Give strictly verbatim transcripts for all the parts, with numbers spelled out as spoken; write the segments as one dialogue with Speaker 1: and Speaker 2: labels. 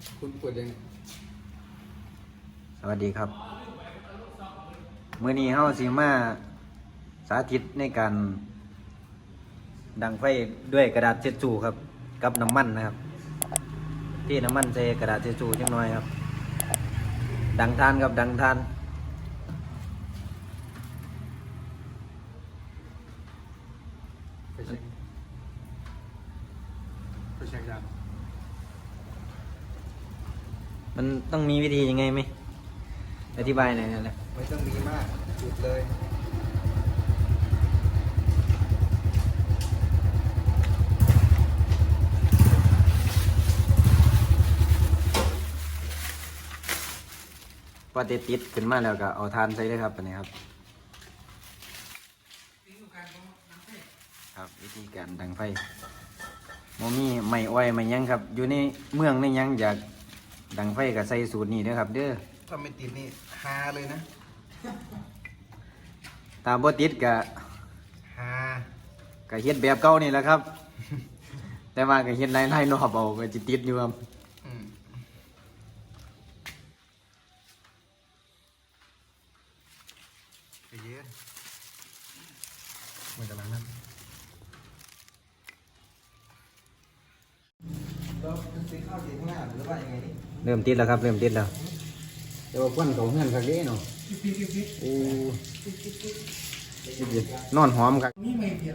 Speaker 1: คุณปวดยัง
Speaker 2: สวัสดีครับมื้อนี้เฮาสิมาสาธิตในการดังไฟด้วยกระดาษเช็ดจูครับกับน้ำมันนะครับที่น้ำมันใส่กระดาษเช็ดจูจังน้อยครับดังทานครับดังทาน
Speaker 1: ไปเช็คไปเช็คยา
Speaker 2: มันต้องมีวิธียังไงไหมอธิบายหน่อยนะ
Speaker 1: ไม่ต้องมีมากจุดเลย
Speaker 2: พอติดติดขึ้นมาแล้วก็เอาทานใส่เลยครับอันนี้ครับครับวิธีการดังไฟโมมี่ไม่อ้อยไม่ยังครับอยู่ในเมืองในยังอยากดังไฟกับใส่สูตรนี้ด้วยครับเด้อ
Speaker 1: ถ้าไม่ติดนี่ฮาเลยนะ
Speaker 2: ตามบ่ติดกับ
Speaker 1: ฮา
Speaker 2: กับเฮ็ดแบบเก่านี่แหละครับ แต่ว่ากับเฮ็ดไล่ไล่รอบเอาก็จะติดอยู่ครับ
Speaker 1: ไปเย็นมันกำลังนั่นเราซื้อข้าวเสียข้างหน้าหรือว่ายังไงนี่
Speaker 2: เริ่มติดแล้วครับเริ่มติดแล้วแต่ว่าควันเขาเฮือนคักเด้เนาะโอ้นอนหอมครับ
Speaker 3: นี่ไม่เปลี่ยน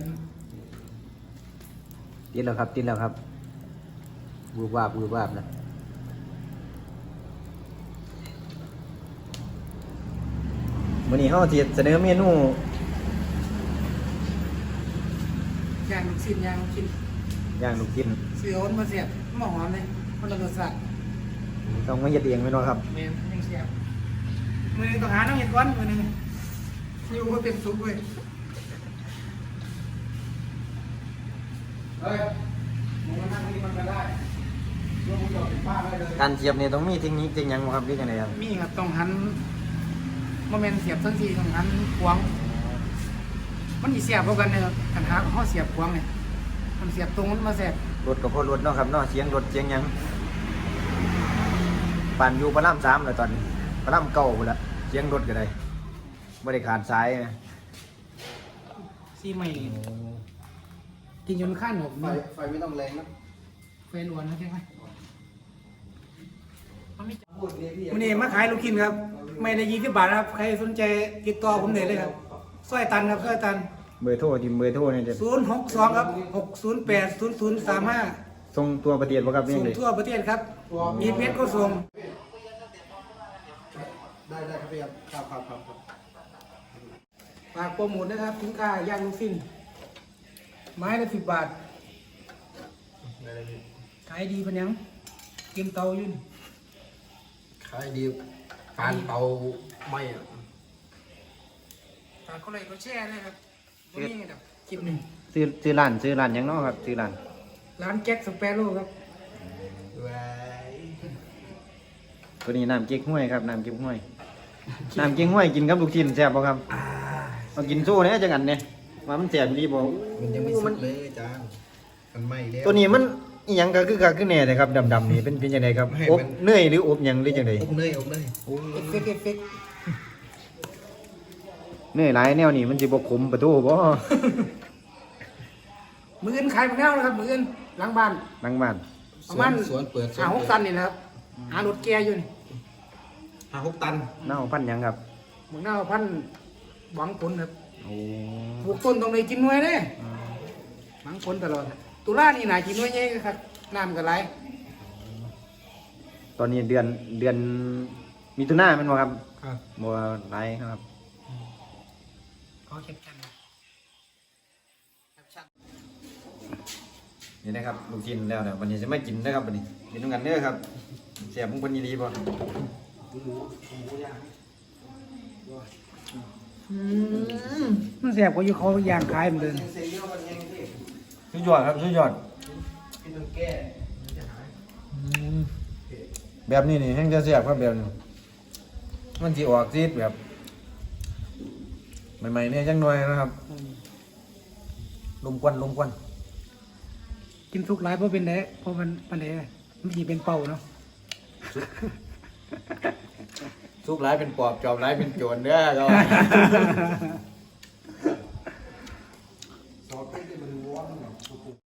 Speaker 2: ติดแล้วครับติดแล้วครับบูบวาบบูบวาบแล้ววันนี้เขาจะเสนอเมนู
Speaker 3: ยางลูกชิ้นยางลูกชิ้น
Speaker 2: ย่างลูกชิ้น
Speaker 3: เสืออ้นมาเสียบหม้อหอมเลยคนละรสชาติ
Speaker 2: ต้องไม่เย็ดเองไม่น้อยครับ
Speaker 3: เมนยังเสียบมือหนึ่งต้องหาน้องเห็ดก้อนมือหนึ่งอยู่ก็เป็นซุปเลย
Speaker 1: เฮ้ยมึงมานั่งนี่มันก็ได้ร่วมมือกับป้าได้เลย
Speaker 2: การเสียบเนี่ยต้องมีเทคนิคจริงยังครับพี่กันเลยครับ
Speaker 3: มีครับต้องหันโมเมนต์เสียบทั้งทีต้องหันขวางมันมีเสียบพวกกันเนี่ยกันหาข้อเสียบขวางเนี่ยมันเสียบตรงมันมาเสียบ
Speaker 2: รถกับพอรถเนาะครับเนาะเสียงรถเสียงยังปั่นอยู่พระรามสามเลยตอนพระรามเก่าหมดละเสียงรถกันเลยไม่ได้ขาดสายนะ
Speaker 3: ซีใหม่กินจนข้านหนก
Speaker 1: ไฟไฟไม่ต้องแรงนะ
Speaker 3: ไฟล้วนนะใช่ไหมวันนี้มาขายลูกชิ้นครับไม่ได้ยี่สิบบาทครับใครสนใจติดต่อผมได้เลยครับสร้อยตันครับสร้อยตัน
Speaker 2: เบอร์โทรที่เบอร์โทรเนี่ยจะ
Speaker 3: ศูนย์หกสองครับหกศูนย์แปดศูนย์ศูนย์สามห้า
Speaker 2: ส่งตัวประเทศป่ะครับนี่
Speaker 3: ส่ง
Speaker 2: เลย
Speaker 3: ทั่วประเทศครับมีเพชรก็ส่ง
Speaker 1: ได้ได้ครับพี่ครับครับครับครับ
Speaker 3: ฝากโปรโมทนะครับสินค้าย่างลูกชิ้นไม้ละสิบบาทขายดีปะยังกินเตายุ่น
Speaker 1: ขายดีปานเตาไม่อะ
Speaker 3: ฝากเขาเลยเขาแช่เลยครับตรงนี้แบบคลิปหนึ่ง
Speaker 2: ซื้อซื้อร้านซื้อร้านยังเนาะครับซื้อร้าน
Speaker 3: ร้านแก๊กสเปโร่ครับ
Speaker 2: ตัวนี้น้ำเก๊กห้วยครับน้ำเก๊กห้วยน้ำเก๊กห้วยกินกับลูกชิ้นแซ่บป่ะครับเอากินสู้เนี่ยจังอันเนี่ยว่ามันแซ่บดีบ่
Speaker 1: มันยังไม่สุดเลยจ้ามันไม่แล้ว
Speaker 2: ตัวนี้มันอีหยังก็คือก็คือแน่เลยครับดำๆนี่เป็นเป็นยังไงครับอบเนยหรืออบหยังหรือจังได
Speaker 1: อบเนยอบเนย
Speaker 3: เอฟเฟกต์เอฟเฟกต์
Speaker 2: เนยหลายแนวนี่มันสิบ่ขมประตูบ่
Speaker 3: มืออื่นขายหมดแล้วนะครับมืออื่นหลังบ้าน
Speaker 2: หลังบ้าน
Speaker 3: ประมาณ
Speaker 1: สวนเปิด
Speaker 3: หาหกตันนี่นะครับหารถแกอยู่นี่
Speaker 1: หาหกตัน
Speaker 2: เน่าพันยังครับ
Speaker 3: หมึงเน่าพันหวังผลครับ
Speaker 2: โอ้
Speaker 3: ปลูกต้นตรงไหนกินน้อยเลยหวังผลตลอดตุลานี่หนากินน้อยเยอะครับน้ำกันไหล
Speaker 2: ตอนนี้เดือนเดือนมิถุนายนมันบ่ครับ
Speaker 1: ครับ
Speaker 2: บ่ไหลครับ
Speaker 3: ขอเก็บกัน
Speaker 2: นี่นะครับลูกชิ้นแล้วเนี่ยวันนี้จะไม่กินนะครับวันนี้กินด้วยกันเด้อครับเสียบมุ้งคนดีๆป่ะ
Speaker 3: มันเสียบกว่าอยู่เขาย่างขายเหมือนเดิม
Speaker 2: สุดยอดครับสุดยอดแบบนี้นี่แห้งจะเสียบครับแบบนี้มันจีออกซีดแบบใหม่ๆเนี่ยจังหน่อยนะครับลมควันลมควัน
Speaker 3: กินสุกหลายเพราะเป็นแดะเพราะมันมันแดะมันจีเป็นเป่าเนาะ
Speaker 2: สุกร้ายเป็นปอบจอบร้ายเป็นโจรเด้อก็